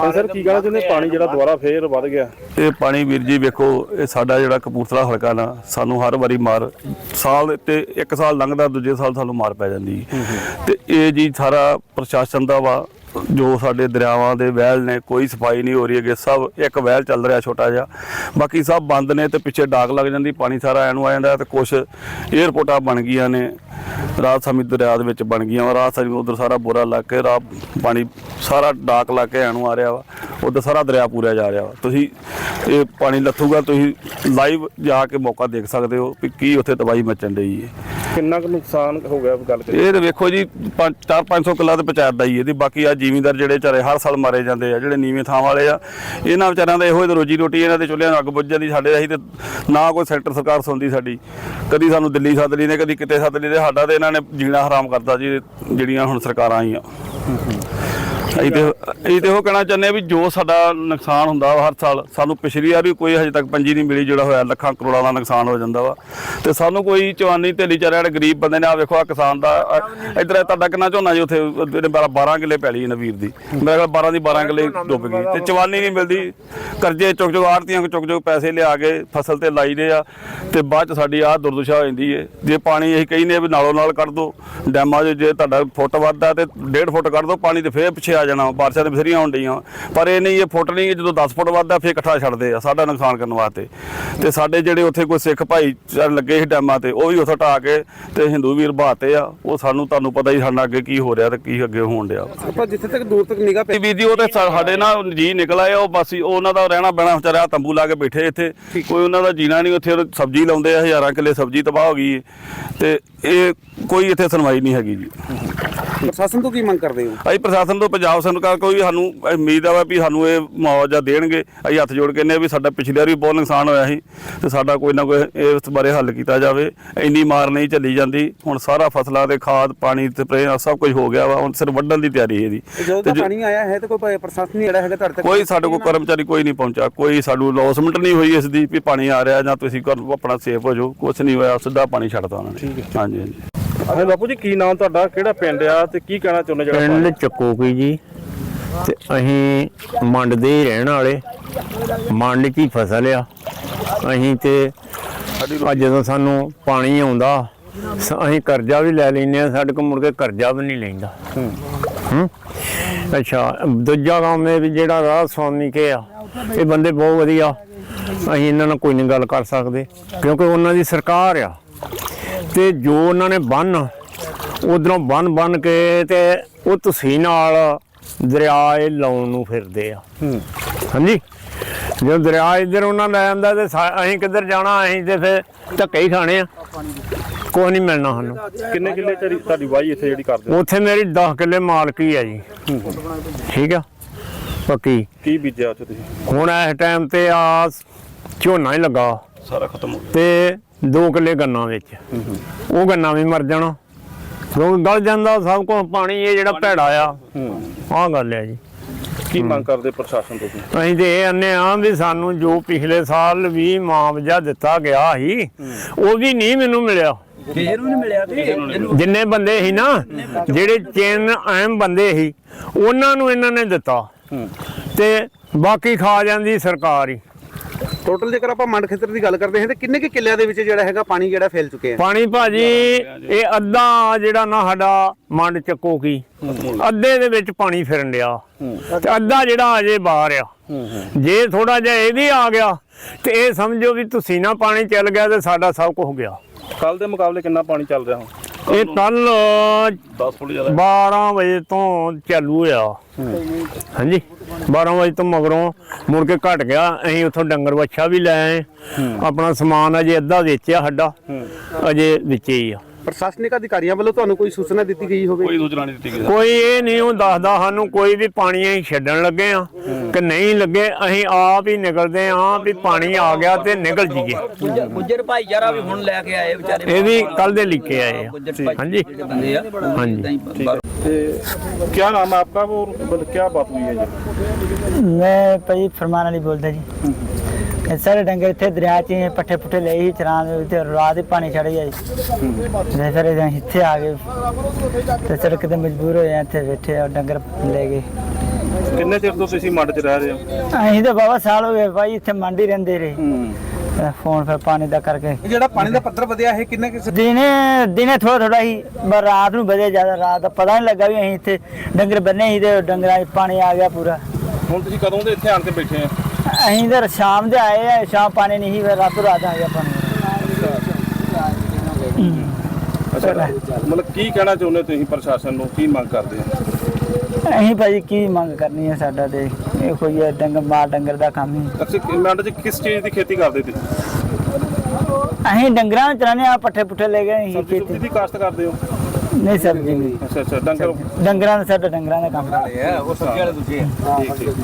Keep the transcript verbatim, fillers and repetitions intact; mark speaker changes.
Speaker 1: Sir की कहना चाਹੁंदे पानी जिहड़ा दोबारा फिर वध गया?
Speaker 2: ये पानी वीर जी वेखो ये साडा जिहड़ा कपूरथला हलका ना सानू हर वारी मार साल ते एक साल लंघदा दूजे साल सानू मार पै जांदी ते ये जी सारा प्रशासन दा वा जो साडे दरियावां दे वैल ने कोई सफाई नहीं हो रही है सब एक वैल चल रहा छोटा जिहा बाकी सब बंद ने ते पिछे डाक लग जाती पानी सारा एनू आ जाता ते कुछ एयरपोर्टां बन गई ने रात सामी दरिया दे विच बन गई रात सामी उधर सारा बोरा लग के राह पानी सारा डाक लग के एनू आ रहा वा उधर सारा दरिया पूरा जा रहा वा तुसीं ये पानी लथूगा तुसीं लाइव जाके मौका देख सकते हो कि की उत्थे तबाही मचन रही है
Speaker 1: किन्ना कुछ नुकसान हो गया गल करिए
Speaker 2: ये तो वेखो जी चार पाँच सौ किला तो पंचायत का ही है बाकी आ जिमीदार ਜਿਹੜੇ ਵਿਚਾਰੇ ਹਰ ਸਾਲ ਮਾਰੇ ਜਾਂਦੇ ਆ ਜਿਹੜੇ ਨੀਵੇਂ ਥਾਂ ਵਾਲੇ ਆ ਇਹਨਾਂ ਵਿਚਾਰਿਆਂ ਦਾ ਇਹੋ ਹੀ ਰੋਜੀ ਰੋਟੀ ਇਹਨਾਂ ਦੇ ਚੁੱਲ੍ਹਿਆਂ ਨੂੰ ਅੱਗ ਬੁੱਝ ਜਾਂਦੀ ਸਾਡੇ ਅਸੀਂ ਤੇ ਨਾ ਕੋਈ ਸੈਕਟਰ ਸਰਕਾਰ ਸੁਣਦੀ ਸਾਡੀ ਕਦੀ ਸਾਨੂੰ ਦਿੱਲੀ ਸੱਦ ਲਈ ਨੇ ਕਦੀ ਕਿਤੇ ਸੱਦ ਲਈ ਤੇ ਸਾਡਾ ਤੇ ਇਹਨਾਂ ਨੇ ਜੀਣਾ ਹਰਾਮ ਕਰਤਾ ਜੀ ਜਿਹੜੀਆਂ ਹੁਣ ਸਰਕਾਰਾਂ ਆਈਆਂ ਅਸੀਂ ਤੇ ਅਸੀਂ ਤੇ ਉਹ ਕਹਿਣਾ ਚਾਹੁੰਦੇ ਵੀ ਜੋ ਸਾਡਾ ਨੁਕਸਾਨ ਹੁੰਦਾ ਵਾ ਹਰ ਸਾਲ ਸਾਨੂੰ ਪਿਛਲੀ ਵਾਰ ਵੀ ਕੋਈ ਹਜੇ ਤੱਕ ਪੰਜੀ ਨਹੀਂ ਮਿਲੀ ਜਿਹੜਾ ਹੋਇਆ ਲੱਖਾਂ ਕਰੋੜਾਂ ਦਾ ਨੁਕਸਾਨ ਹੋ ਜਾਂਦਾ ਵਾ ਤੇ ਸਾਨੂੰ ਕੋਈ ਚਵਾਨੀ ਢੇਲੀ ਚਾਰਿਆ ਜਿਹੜੇ ਗਰੀਬ ਬੰਦੇ ਨੇ ਆ ਵੇਖੋ ਆ ਕਿਸਾਨ ਦਾ ਇੱਧਰ ਤੁਹਾਡਾ ਕਿੰਨਾ ਝੋਨਾ ਜੀ ਉੱਥੇ ਬਾਰਾਂ ਕਿੱਲੇ ਪੈਲੀ ਨਵੀਰ ਦੀ ਮੇਰੇ ਕੋਲ ਬਾਰਾਂ ਦੀ ਬਾਰਾਂ ਕਿੱਲੇ ਡੁੱਬ ਗਈ ਤੇ ਚਵਾਨੀ ਨਹੀਂ ਮਿਲਦੀ ਕਰਜ਼ੇ ਚੁੱਕ ਚੁੱਕ ਆੜਤੀਆਂ ਚੁੱਕ ਚੁੱਕ ਪੈਸੇ ਲਿਆ ਕੇ ਫਸਲ ਤੇ ਲਾਈ ਦੇ ਆ ਤੇ ਬਾਅਦ ਚ ਸਾਡੀ ਆਹ ਦੁਰਦਸ਼ਾ ਹੋ ਜਾਂਦੀ ਹੈ ਜੇ ਪਾਣੀ ਅਸੀਂ ਕਹਿੰਦੇ ਵੀ ਨਾਲੋਂ ਨਾਲ ਕੱਢ ਦਿਓ ਡੈਮਾਂ 'ਚ ਜੇ ਤੁਹਾਡਾ ਫੁੱਟ ਵੱਧਦਾ ਤੇ ਡੇਢ ਫੁੱਟ ਕੱਢ ਦਿਓ ਪਾਣੀ ਤੇ ਫੇਰ ਪਿੱਛੇ ਆ ਜਾਣਾ ਬਾਰਿਸ਼ਾਂ ਤੇ ਬਥੇਰੀਆਂ ਹੋਣ ਡਈਆਂ ਪਰ ਇਹ ਨਹੀਂ ਇਹ ਫੁੱਟ ਨਹੀਂ ਜਦੋਂ ਦਸ ਫੁੱਟ ਵੱਧਦਾ ਫਿਰ ਇਕੱਠਾ ਛੱਡਦੇ ਆ ਸਾਡਾ ਨੁਕਸਾਨ ਕਰਨ ਵਾਸਤੇ ਤੇ ਸਾਡੇ ਜਿਹੜੇ ਉੱਥੇ ਕੋਈ ਸਿੱਖ ਭਾਈ ਲੱਗੇ ਸੀ ਡੈਮਾਂ ਤੇ ਉਹ ਵੀ ਉੱਥੋਂ ਢਾਹ ਕੇ ਤੇ ਹਿੰਦੂ ਵੀਰ ਬਹਾਤੇ ਆ ਉਹ ਸਾਨੂੰ ਤੁਹਾਨੂੰ ਪਤਾ ਹੀ ਸਾਡਾ ਅੱਗੇ ਕੀ ਹੋ ਰਿਹਾ ਤੇ ਕੀ ਅੱਗੇ ਹੋਣ ਡਿਆ
Speaker 1: ਆਪਾਂ ਜਿੱਥੇ ਤੱਕ ਦੂਰ ਤੱਕ ਨਿਗਾਹ
Speaker 2: ਵੀਰ ਜੀ ਉਹ ਤੇ ਸਾਡੇ ਨਾਲ ਜੀ ਨਿਕਲ ਆਏ ਉਹ ਬਸ ਉਹਨਾਂ ਦਾ ਰਹਿਣਾ ਬਹਿਣਾ ਵਿਚਾਰਿਆ ਤੰਬੂ ਲਾ ਕੇ ਬੈਠੇ ਇੱਥੇ ਕੋਈ ਉਹਨਾਂ ਦਾ ਜੀਣਾ ਨਹੀਂ ਉੱਥੇ ਸਬਜ਼ੀ ਲਾਉਂਦੇ ਆ ਹਜ਼ਾਰਾਂ ਕਿੱਲੇ ਸਬਜ਼ੀ ਤਬਾਹ ਹੋ ਗਈ ਤੇ ਇਹ ਕੋਈ ਇੱਥੇ ਸੁਣਵਾਈ ਨਹੀਂ ਹੈਗੀ ਜੀ
Speaker 1: ਪ੍ਰਸ਼ਾਸਨ ਤੋਂ ਕੀ ਮੰਗ ਕਰਦੇ ਹੋ?
Speaker 2: ਅਸੀਂ ਪ੍ਰਸ਼ਾਸਨ ਤੋਂ ਪੰਜਾਬ ਸਰਕਾਰ ਕੋਈ ਵੀ ਸਾਨੂੰ ਉਮੀਦ ਆ ਵੀ ਸਾਨੂੰ ਇਹ ਮੁਆਵਜ਼ਾ ਦੇਣਗੇ ਅਸੀਂ ਹੱਥ ਜੋੜ ਕੇ ਕਹਿੰਦੇ ਵੀ ਸਾਡਾ ਪਿਛਲੀ ਵਾਰ ਵੀ ਬਹੁਤ ਨੁਕਸਾਨ ਹੋਇਆ ਸੀ ਤੇ ਸਾਡਾ ਕੋਈ ਨਾ ਕੋਈ ਇਸ ਬਾਰੇ ਹੱਲ ਕੀਤਾ ਜਾਵੇ ਇੰਨੀ ਮਾਰ ਨਹੀਂ ਚੱਲੀ ਜਾਂਦੀ ਹੁਣ ਸਾਰਾ ਫਸਲਾਂ ਦੇ ਖਾਦ ਪਾਣੀ ਸਪਰੇ ਸਭ ਕੁਝ ਹੋ ਗਿਆ ਵਾ ਹੁਣ ਸਿਰ ਵੱਢਣ ਦੀ ਤਿਆਰੀ ਇਹਦੀ
Speaker 1: ਜਦੋਂ ਪਾਣੀ ਆਇਆ ਹੈ ਤੇ ਕੋਈ ਪ੍ਰਸ਼ਾਸਨ ਜਿਹੜਾ ਹੈਗਾ ਤੁਹਾਡੇ ਤੱਕ
Speaker 2: ਕੋਈ ਸਾਡੇ ਕੋਲ ਕਰਮਚਾਰੀ ਕੋਈ ਨਹੀਂ ਪਹੁੰਚਾ ਕੋਈ ਸਾਨੂੰ ਲੌਸਮੈਂਟ ਨਹੀਂ ਹੋਈ ਇਸ ਦੀ ਵੀ ਪਾਣੀ ਆ ਰਿਹਾ ਜਾਂ ਤੁਸੀਂ ਆਪਣਾ ਸੇਫ ਹੋ ਜਾਓ ਕੁਛ ਨਹੀਂ ਹੋਇਆ ਸਿੱਧਾ ਪਾਣੀ ਛੱਡਤਾ ਉਹਨਾਂ ਨੇ ਹਾਂਜੀ ਹਾਂਜੀ
Speaker 1: ਹਾਂ ਬਾਪੂ ਜੀ ਕੀ ਨਾਮ ਤੁਹਾਡਾ ਕਿਹੜਾ ਪਿੰਡ ਆ ਤੇ ਕੀ ਕਹਿਣਾ ਚਾਹੁੰਦੇ ਜਿਹੜਾ
Speaker 3: ਪਿੰਡ ਚੱਕੋਕੀ ਜੀ ਤੇ ਅਸੀਂ ਮੰਡ ਦੇ ਹੀ ਰਹਿਣ ਵਾਲੇ ਮੰਡ 'ਚ ਹੀ ਫਸਲ ਆ ਅਸੀਂ ਤੇ ਜਦੋਂ ਸਾਨੂੰ ਪਾਣੀ ਆਉਂਦਾ ਅਸੀਂ ਕਰਜ਼ਾ ਵੀ ਲੈ ਲੈਂਦੇ ਹਾਂ ਸਾਡੇ ਕੋਲ ਮੁੜ ਕੇ ਕਰਜ਼ਾ ਵੀ ਨਹੀਂ ਲੈਂਦਾ ਹੂੰ ਅੱਛਾ ਦੂਜਾ ਕੰਮ ਇਹ ਵੀ ਜਿਹੜਾ ਰਾਹ ਸਵਾਮੀ ਕੇ ਆ ਇਹ ਬੰਦੇ ਬਹੁਤ ਵਧੀਆ ਅਸੀਂ ਇਹਨਾਂ ਨਾਲ ਕੋਈ ਨਹੀਂ ਗੱਲ ਕਰ ਸਕਦੇ ਕਿਉਂਕਿ ਉਹਨਾਂ ਦੀ ਸਰਕਾਰ ਆ ਤੇ ਜੋ ਉਹਨਾਂ ਨੇ ਬੰਨ ਉਧਰੋਂ ਬੰਨ ਬੰਨ ਕੇ ਤੇ ਉਹ ਤੁਸੀਂ ਨਾਲ ਦਰਿਆ ਇਹ ਲਾਉਣ ਨੂੰ ਫਿਰਦੇ ਆ ਹਾਂਜੀ ਜਦੋਂ ਦਰਿਆ ਇੱਧਰ ਉਹਨਾਂ ਲੈ ਜਾਂਦਾ ਤੇ ਅਸੀਂ ਕਿੱਧਰ ਜਾਣਾ ਅਸੀਂ ਤੇ ਫਿਰ ਧੱਕੇ ਹੀ ਖਾਣੇ ਆ ਕੁਛ ਨਹੀਂ ਮਿਲਣਾ ਸਾਨੂੰ
Speaker 1: ਕਿੰਨੇ ਕਿੱਲੇ ਤੁਹਾਡੀ ਵਾਹੀ ਇੱਥੇ ਜਿਹੜੀ ਕਰਦੇ
Speaker 3: ਉੱਥੇ ਮੇਰੀ ਦਸ ਕਿੱਲੇ ਮਾਲਕੀ ਆ ਜੀ ਠੀਕ ਆ ਪੱਕੀ
Speaker 1: ਕੀ ਬੀਜਿਆ ਉੱਥੇ ਤੁਸੀਂ
Speaker 3: ਹੁਣ ਇਸ ਟਾਈਮ ਤੇ ਆ ਝੋਨਾ ਹੀ ਲੱਗਾ
Speaker 2: ਸਾਰਾ ਖਤਮ ਹੋ ਗਿਆ
Speaker 3: ਤੇ ਦੋ ਕਿੱਲੇ ਗੰਨਾ ਵਿੱਚ ਉਹ ਗੰਨਾ ਵੀ ਮਰ ਜਾਣਾ ਕਿਉਂਕਿ ਗਲ ਜਾਂਦਾ ਸਭ ਕੁਝ ਪਾਣੀ ਇਹ ਜਿਹੜਾ ਭੈੜਾ ਆ ਆਹ ਗੱਲ ਆ ਜੀ
Speaker 1: ਕੀ ਮੰਗ ਕਰਦੇ ਪ੍ਰਸ਼ਾਸਨ ਤੋਂ
Speaker 3: ਅਸੀਂ ਤੇ ਇਹ ਆਨੇ ਆ ਵੀ ਸਾਨੂੰ ਜੋ ਪਿਛਲੇ ਸਾਲ ਵੀ ਮੁਆਵਜ਼ਾ ਦਿੱਤਾ ਗਿਆ ਸੀ ਉਹ ਵੀ ਨਹੀਂ ਮੈਨੂੰ ਮਿਲਿਆ ਜਿੰਨੇ ਬੰਦੇ ਸੀ ਨਾ ਜਿਹੜੇ ਚੇਨ ਅਹਿਮ ਬੰਦੇ ਸੀ ਉਹਨਾਂ ਨੂੰ ਇਹਨਾਂ ਨੇ ਦਿੱਤਾ ਤੇ ਬਾਕੀ ਖਾ ਜਾਂਦੀ ਸਰਕਾਰ ਹੀ
Speaker 1: ਟੋਟਲ ਜੇਕਰ ਆਪਾਂ ਮੰਡ ਖੇਤਰ ਦੀ ਗੱਲ ਕਰਦੇ ਹਾਂ ਤੇ ਕਿੰਨੇ ਕਿ ਕਿੱਲਿਆਂ ਦੇ ਵਿੱਚ ਜਿਹੜਾ ਹੈਗਾ ਪਾਣੀ ਜਿਹੜਾ ਫੈਲ ਚੁੱਕਿਆ
Speaker 3: ਪਾਣੀ ਭਾਜੀ ਇਹ ਅੱਧਾ ਜਿਹੜਾ ਨਾ ਸਾਡਾ ਮੰਡ ਚੱਕੋਕੀ ਅੱਧੇ ਦੇ ਵਿੱਚ ਪਾਣੀ ਫਿਰਨ ਡਿਆ ਤੇ ਅੱਧਾ ਜਿਹੜਾ ਅਜੇ ਬਾਹਰ ਆ ਜੇ ਥੋੜਾ ਜਿਹਾ ਇਹ ਵੀ ਆ ਗਿਆ ਤੇ ਇਹ ਸਮਝੋ ਵੀ ਤੁਸੀਂ ਨਾ ਪਾਣੀ ਚੱਲ ਗਿਆ ਤੇ ਸਾਡਾ ਸਭ ਕੁਝ ਗਿਆ
Speaker 1: ਕੱਲ ਦੇ ਮੁਕਾਬਲੇ ਕਿੰਨਾ ਪਾਣੀ ਚੱਲ ਰਿਹਾ ਹੁਣ
Speaker 3: ਇਹ ਕੱਲ
Speaker 2: ਦਸ ਫੁੱਟ ਜ਼ਿਆਦਾ
Speaker 3: ਬਾਰਾਂ ਵਜੇ ਤੋਂ ਚਾਲੂ ਹੋਇਆ ਹਾਂਜੀ ਬਾਰਾਂ ਵਜੇ ਤੋਂ ਮਗਰੋਂ ਮੁੜ ਕੇ ਘਟ ਗਿਆ ਅਸੀਂ ਉੱਥੋਂ ਡੰਗਰ ਵੱਛਾ ਵੀ ਲੈ ਆਏ ਆਪਣਾ ਸਮਾਨ ਅਜੇ ਅੱਧਾ ਵੇਚਿਆ ਸਾਡਾ ਅਜੇ ਵਿੱਚੇ ਹੀ ਆ
Speaker 1: ਪ੍ਰਸ਼ਾਸਨਿਕ ਅਧਿਕਾਰੀਆਂ ਵੱਲੋਂ ਤੁਹਾਨੂੰ ਕੋਈ ਸੂਚਨਾ ਦਿੱਤੀ ਗਈ ਹੋਵੇ?
Speaker 2: ਕੋਈ ਸੂਚਨਾ ਨਹੀਂ ਦਿੱਤੀ ਗਈ
Speaker 3: ਕੋਈ ਇਹ ਨਹੀਂ ਉਹ ਦੱਸਦਾ ਸਾਨੂੰ ਕੋਈ ਵੀ ਪਾਣੀ ਅਸੀਂ ਛੱਡਣ ਲੱਗੇ ਆ ਕਿ ਨਹੀਂ ਲੱਗੇ ਅਸੀਂ ਆਪ ਹੀ ਨਿਕਲਦੇ ਆ ਵੀ ਪਾਣੀ ਆ ਗਿਆ ਤੇ ਨਿਕਲ ਜੀਏ
Speaker 4: ਗੁੱਜਰ ਭਾਈਚਾਰਾ ਵੀ ਹੁਣ ਲੈ ਕੇ ਆਏ ਵਿਚਾਰੇ
Speaker 3: ਇਹ ਵੀ ਕੱਲ ਦੇ ਲਿਖੇ ਆਏ ਆ ਹਾਂਜੀ ਹਾਂਜੀ
Speaker 1: क्या नाम है आपका वो क्या बात हुई है जी?
Speaker 5: मैं भाई फरमान अली बोलता जी सारे डंगर इतने दरिया च पट्ठे पुट्ठे ले ही चरान रात ही पानी चढ़ गया जी फिर इतने आ गए तो सड़क तो मजबूर हो इतने बैठे और डंगर ले गए
Speaker 1: ਕਿੰਨੇ ਚਿਰ ਤੋਂ ਤੁਸੀਂ ਮੰਡ 'ਚ ਰਹਿ ਰਹੇ ਹੋ?
Speaker 5: ਅਸੀਂ ਤਾਂ ਬਾਬਾ ਸਾਲ ਹੋ ਗਏ ਭਾਈ ਇੱਥੇ ਮੰਡੀ ਰਹਿੰਦੇ ਰਹੇ
Speaker 1: ਹੂੰ।
Speaker 5: ਫੋਨ ਫਿਰ ਪਾਣੀ ਦਾ ਕਰਕੇ
Speaker 6: ਇਹ ਜਿਹੜਾ ਪਾਣੀ ਦਾ ਪੱਧਰ ਵਧਿਆ ਇਹ ਕਿੰਨੇ ਕਿਸੇ
Speaker 5: ਦਿਨੇ ਦਿਨੇ ਥੋੜਾ ਥੋੜਾ ਹੀ ਪਰ ਰਾਤ ਨੂੰ ਵਧੇ ਜ਼ਿਆਦਾ ਰਾਤ ਦਾ ਪਤਾ ਨਹੀਂ ਲੱਗਾ ਵੀ ਅਸੀਂ ਇੱਥੇ ਡੰਗਰ ਬੰਨੇ ਸੀ ਤੇ ਡੰਗਰਾਂ 'ਚ ਪਾਣੀ ਆ ਗਿਆ ਪੂਰਾ।
Speaker 1: ਹੁਣ ਤੁਸੀਂ ਕਦੋਂ ਦੇ ਇੱਥੇ ਆਣ ਕੇ ਬੈਠੇ ਆ?
Speaker 5: ਅਸੀਂ ਤਾਂ ਸ਼ਾਮ ਦੇ ਆਏ ਆ, ਸ਼ਾਮ ਪਾਣੀ ਨਹੀਂ ਸੀ ਫਿਰ ਰਾਤੋਂ ਰਾਤ ਆ ਗਿਆ ਪਾਣੀ।
Speaker 1: ਅੱਛਾ, ਮਤਲਬ ਕੀ ਕਹਿਣਾ ਚਾਹੁੰਦੇ ਤੁਸੀਂ ਪ੍ਰਸ਼ਾਸਨ ਨੂੰ, ਕੀ ਮੰਗ ਕਰਦੇ ਆ?
Speaker 5: ਅਸੀਂ ਭਾਜੀ ਕੀ ਮੰਗ ਕਰਨੀ ਹੈ, ਸਾਡਾ ਤੇ ਇਹ ਕੋਈ ਹੈ ਡੰਗਰ ਮਾਲ ਡੰਗਰ ਦਾ ਕੰਮ ਹੀ।
Speaker 1: ਅਸੀਂ ਮੰਡ 'ਚ ਕਿਸ ਚੀਜ਼ ਦੀ ਖੇਤੀ ਕਰਦੇ ਤੁਸੀਂ?
Speaker 5: ਅਸੀਂ ਡੰਗਰਾਂ ਨੂੰ ਚਰਾਨੇ ਆ, ਪੱਠੇ ਪੁੱਠੇ ਲੈ ਗਏ ਅਸੀਂ
Speaker 1: ਸਬਜ਼ੀ ਸੁਬਜ਼ੀ
Speaker 5: ਖੇਤੀ
Speaker 1: ਦੀ ਕਾਸ਼ਤ ਕਰਦੇ ਹੋ?
Speaker 5: ਨਹੀਂ ਸਬਜ਼ੀ ਨਹੀਂ,
Speaker 1: ਅੱਛਾ ਅੱਛਾ, ਡੰਗਰ
Speaker 5: ਡੰਗਰਾਂ ਦਾ ਸਾਡਾ ਡੰਗਰਾਂ ਦਾ ਕੰਮ।
Speaker 6: ਉਹ ਸਬਜ਼ੀ ਵਾਲੇ ਦੂਜੇ ਆ।
Speaker 1: ਠੀਕ ਠੀਕ।